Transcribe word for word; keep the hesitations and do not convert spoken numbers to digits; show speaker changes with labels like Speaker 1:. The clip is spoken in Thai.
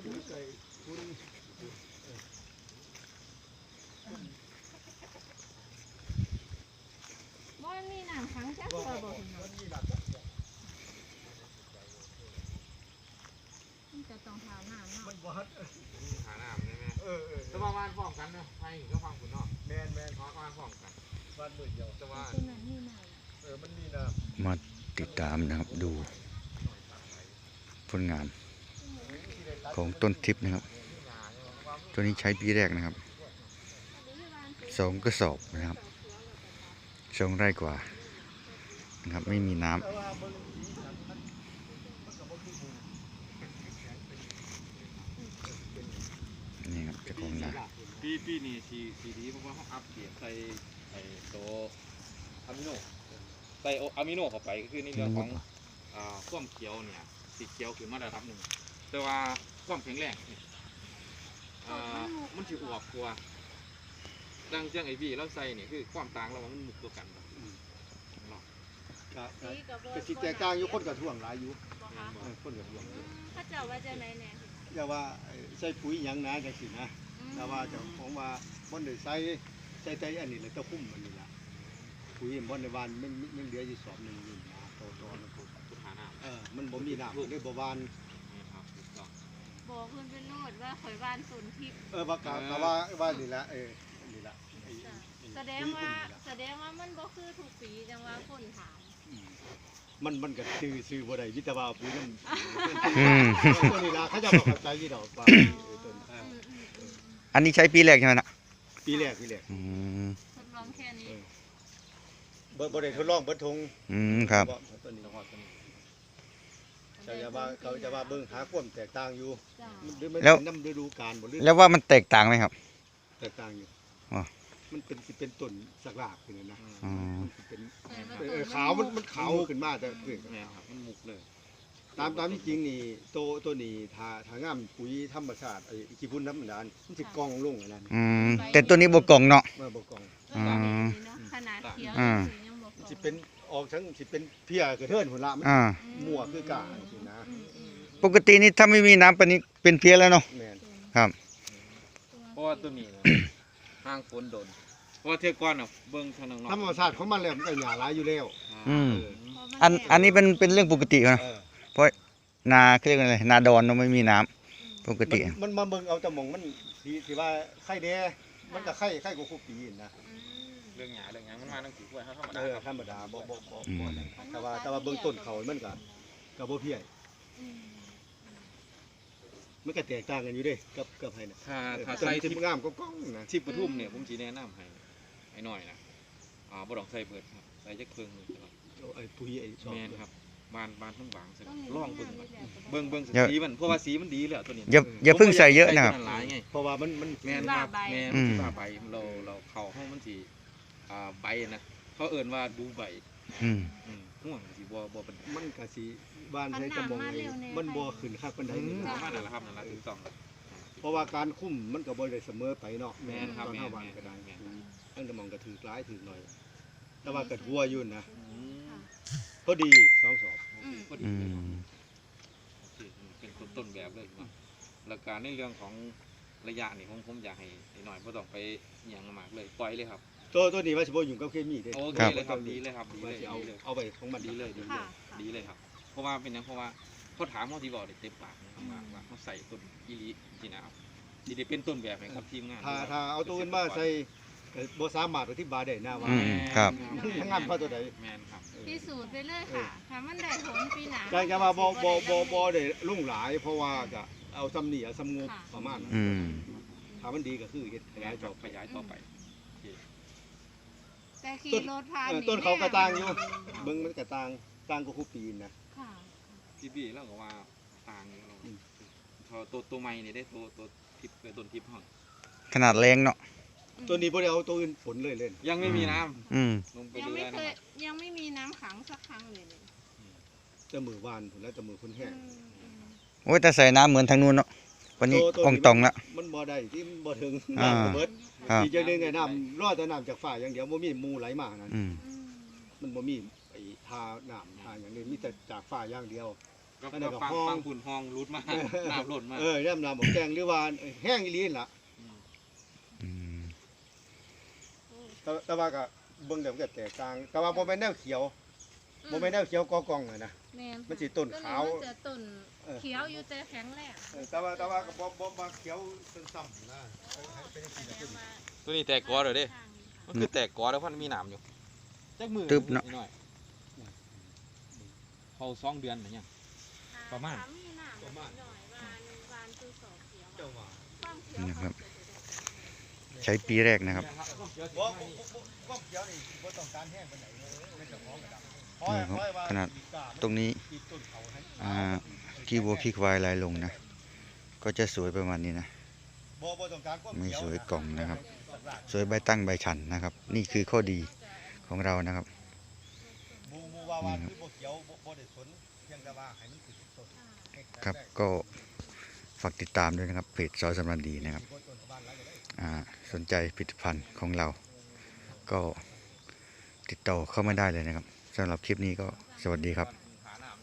Speaker 1: บ่มีน้ำขังจักตัวบ่มันจะต้องหาน้ำเนาะมันบ่
Speaker 2: หาน้ำใช่ไหมเออเออจะประมาณพร้อมกันเนาะไทยก็ฟังคุณเนาะแมนแมนประมาณพร้อมกันบ้านมืดเดียวแต่ว่า
Speaker 1: ตัวนั้นนี่น้ำ
Speaker 2: เออมันมีน้
Speaker 3: ำมาติดตามนะครับดูผลงานของต้นทิพย์นะครับตัวนี้ใช้ปีแรกนะครับสองกระสอบนะครับสองไร่กว่านะครับไม่มีน้ำนี่ครับจะคงนา
Speaker 2: ปีปีนี้สีสีดีเพราะว่าเขาอัพเกรดใส่ไอ้ตัวอะมิโนใส่อะมิโนเข้าไปก็คือในเรื่องของอ่าความเขียวเนี่ยสีเขียวคือมาตรฐานหนึ่งแต่ว่าความแข็งแรงอ่ามันถืออวบกว่าดังเจ้าไอวีแล้วใส่เนี่ยคือความต่างระหว่างมันมุกตัวกัน
Speaker 4: ก็สิแตกต่างอยู่คนกับท่วงหลายอยู่คนกับท่วง
Speaker 1: เขาเจ้าว่าจะไหนแน่
Speaker 4: อย่าว่าใส่ปุ๋ยหยังนะจังซี่นะแต่ว่าเจ้าของว่าบ่ได้ใส่ใส่แต่อันนี้แหละเจ้าคุ้มอันนี้ล่ะปุ๋ยบ่ได้วานมันมันเหลืออยู่สอบนึงนี่นะโตๆมัน
Speaker 2: พุทธาน้ำ
Speaker 4: เออมันบ่มีน้ำเลยบ่วาน
Speaker 1: บอกเพิ่นเป็นโนดว่าข่อยบ้านสนทิพย์
Speaker 4: เออว่ากะกะว่าว่านี่ล่ะเออนี่ล่ะ
Speaker 1: แสดงว่าแสดงว่ามันบ่คือทุกปีจังว่าคนถาม
Speaker 4: มันมันก็ซื้อซื้อบ่ได้วิตาว่าปุ๋ยนั่นตัวนี้ล่ะเขาจะบ่เข้าใจยี่ดอกว่าต้น
Speaker 3: อันนี้ใช้ปีแรกใช่ไหมนะ
Speaker 4: ปีแรกปีแรก
Speaker 1: ทดลองแค่นี้
Speaker 4: บ่บ่ได้ทดลองเบิดทง
Speaker 3: อืมครับ
Speaker 4: ตัวนี้จะว่าเขาจะว่าเบิ่งหาความแตกต่างอยู่หรือมันเป็นน้ำฤดูกาลบ่หรือ
Speaker 3: แล้วว่ามันแตกต่างไหมครับ
Speaker 4: แตกต่างอยู่มันเป็นสิเป็นต้นสักรากขึ้นนะมันสิเป็นขาวมันมันขาวขึ้นมาแต่เกิด
Speaker 2: ครับมันมุกเลย
Speaker 4: ตามตามที่จริงนี่โตตัวนี้ถ้าถ้างามปุ๋ยธรรมชาติไอ้ขี้ฝุ่นน้ำมันมันสิกองลงอันนั้น
Speaker 3: อืมแต่ตัวนี้บ่กองเนาะ
Speaker 4: บ่กอง
Speaker 3: อืม
Speaker 1: ขนาดเขียวยังบ่กอง
Speaker 4: สิเป็นออกทั้งสิเป็นเพี้ยกระเทินหุ่นละมันมั่วคือกาสินะ
Speaker 3: ปกตินี่ถ้าไม่มีน้ำปานนี้เป็นเพี้ยแล้วเนาะครับ
Speaker 2: เพราะว่าตัวนี้ห้างฝนโดนเพราะเทือกก้อนอ่ะเบิ้งทางนอก
Speaker 4: ธรรมชาติของมันแล้วมันก็หญ้าหลายอยู่แล้ว
Speaker 3: อืมอันอันนี้เป็นเป็นเรื่องปกตินะเพราะนาเรียกอะไรนาดอนเราไม่มีน้ำปกติ
Speaker 4: มันมาเบิ่งเอาแต่มองมันที่ที่ว่าไข่แดงมันก็ไข่ไข่กว่าคู่ปีนะ
Speaker 2: เรื่องหญ้าเรื่องหยังมันมาตั้งกี่กล้วยธรรมดา
Speaker 4: ธรรมดาบ่บ่บ่แต่ว่าแต่ว่าเบื้องต้นเขามันก็ก็บ่เพี้ยมันก็แตกต่างกันอยู่เด้กับกับไผน่ะ
Speaker 2: ถ้าถ้าใส่
Speaker 4: ที่งามก็ก้องนะ
Speaker 2: ที่ปทุมเนี่ยผมสิแนะนำให้ให้หน่อยนะอ่าบ่ต้องใส่เบิดครับใส่จักเพิ่งนึงครับ
Speaker 4: ไอ้ปุ๋ยไอ้
Speaker 2: แม่นครับบานบานทั้งบางลองเบิ่งเบิ่งเบิ่งสีมันเพราะว่าสีมันดีแล้วตัวนี้
Speaker 3: อย่าอย่าเพิ่งใส่เยอะนะครับ
Speaker 4: เพราะว่ามันมัน
Speaker 2: แม่นครับแม่นสิว่าใบเราเราเข้าห้องมันสิอ่าใบนะเขาเอิ้นว่าดูใบ
Speaker 3: อืม
Speaker 2: อืมห่วงสิบ่บ่
Speaker 4: มันก็สิบ้านใช้กระมองมันบ่ขึ้นคักปานใดนี่
Speaker 2: ประมาณนั้นล่ะครับนั่นล่ะถูกต้อง
Speaker 4: เพราะว่าการคุ้มมันก็บ่ได้เสมอไปเนาะ
Speaker 2: แม่นครับแม่น
Speaker 4: ก็ได้ตั้งแต่มองก็ถือหลายถือหน่อยแต่ว่าก็หัวอยู่นะพอดีสองสอบ
Speaker 2: พอดีเป็นต้นแบบเลยว่าแล้วการในเรื่องของระยะนี่ผมผมอยากให้หน่อยบ่ต้องไปหยังมากเลยปล่อยเลยครับ
Speaker 4: ตัวตัวนี้ว่าสิบ่ยุ่งกับเคมีเด้
Speaker 2: โอเคเลยครับดีเลยครับดีเลย
Speaker 4: เอาเอาไปของมัน
Speaker 2: ดีเลยดีเลยดีเลยครับเพราะว่าเป็นอย่างเพราะว่าเขาถามเขาที่บอกเต็มปากนะครับว่าว่าเขาใส่ต้นอีลีจีนะครับดีได้เป็นต้นแบบนะครับทีมงาน
Speaker 4: ถ้าถ้าเอาตัวอื่นมาใส่บ่สามารถอธิบายได้นะว่า
Speaker 3: ครับ
Speaker 4: งานเพราะตัวใด
Speaker 2: แม่นครับ
Speaker 1: พิสูจน์ไปเลยค่ะถ้ามันได้ผลปีหน้า
Speaker 4: จังจะว่าบ่บ่บ่บ่ได้ลุ่งหลายเพราะว่าก็เอาซ้ำนี่เอาซ้ำงบประมาณนั้นถ้ามันดีก็คือเฮ็ดขยายต่อ
Speaker 2: ขยายต่อไป
Speaker 1: แต่ขี่รถผ่าน
Speaker 4: ต้นเขากระต่างอยู่เบิ่งมันกระต่างต่างก็คู่ปีนะ
Speaker 1: ค่ะ
Speaker 2: พี่พี่แล้วก็ว่าต่างอยู่พอตัวตัวใหม่นี่ได้ตัวตัวทิพย์ต้นทิพย์ห้อง
Speaker 3: ขนาดแรงเนาะ
Speaker 4: ตัวนี้บ่ได้เอาตัวอื่นผลเลยเล่น
Speaker 2: ยังไม่มีน้ำ
Speaker 3: อืม
Speaker 1: ยังไม่เคยยังไม่มีน้ำขังสักครั้งเลย
Speaker 4: จะมือวานผลแล้วจะมือคนแห้ง
Speaker 3: โอ้ยแต่ใส่น้ำเหมือนทางนู้นเนาะวันนี้อ่องตองละ
Speaker 4: มันบ่ได้ที่บ่ถึงน้ำเบิดอีกอย่างนึงไงน้ำรอดแต่น้ำจากฝ่าอย่างเดียวบ่มีมูไหลมานั่นมันบ่มีไอ้ทาน้ำทาอย่างนี้มีแต่จากฝ่าอย่างเดียว
Speaker 2: ก็
Speaker 4: อันนั้นก็
Speaker 2: ฟัง
Speaker 4: ห้อง
Speaker 2: ฟังฝุ่นห้องรุดมาน้ำหล่นมา
Speaker 4: เออย่ำน้ำบอกแกงหรือว่าแห้งอีหลีนล่ะ
Speaker 3: อืม
Speaker 4: แต่แต่ว่าก็เบิ่งเดี๋ยวมันก็แตกต่างแต่ว่าบ่แม่นแนวเขียวบ่แม่นแนวเขียวกอกองเลยนะ
Speaker 1: แม่น
Speaker 4: มันสิต้นขาว
Speaker 1: มันจะต้นเขียวอยู่แต่แข็งแรง
Speaker 4: เออแต่ว่าแต่ว่าก็บ่บ่บ่เขียวซ้ำๆนะเป็นจังซี่
Speaker 1: แส
Speaker 4: แหละ
Speaker 1: ดงว่า
Speaker 2: ตัวนี้แตกกอเด้อเด้มันคือแตกกอแล้วเพราะมันมีหนามอยู่จักมือ
Speaker 3: ตึบเนาะ
Speaker 2: หน่อยเขาสองเดือนหรือยัง ประมาณ
Speaker 1: ถมีหน้าหน่อยวานวานคือสอบเขียว
Speaker 4: เจ้าว่า
Speaker 1: ความเขียว
Speaker 3: นะครับ ใช้ปีแรกนะครับ
Speaker 4: บ่บ่บ่บ่เขียวนี่บ่ต้องการแห้งปานใดเลยไม่ต้องของกระดับเพราะ
Speaker 3: นี่ครับ
Speaker 4: เพราะว่า
Speaker 3: ขนาด
Speaker 4: อีกา
Speaker 3: ตรงนี้
Speaker 4: อีกต้นเขาให้
Speaker 3: อ่าขี้วัวขี้ควายลายลงนะ ก็จะสวยประมาณนี้นะ
Speaker 4: บ่บ่ต้องการความ
Speaker 3: ไม่
Speaker 4: เขียว
Speaker 3: สวยกล่องนะครับ
Speaker 4: นะ
Speaker 3: สวยใบตั้งใบชันนะครับ นี่คือข้อดีของเรานะครับ
Speaker 4: หมู่หมู่ว่าวานคือบ่เขียวบ่บ่ได้สนเพียงแต่ว่าให้มันติดต้น
Speaker 3: ครับก็ฝากติดตามด้วยนะครับเพจซอยสำรันดีนะครับอ่าสนใจผลิตภัณฑ์ของเรา ก็ติดต่อเข้ามาได้เลยนะครับสำหรับคลิปนี้ก็สวัสดีครับ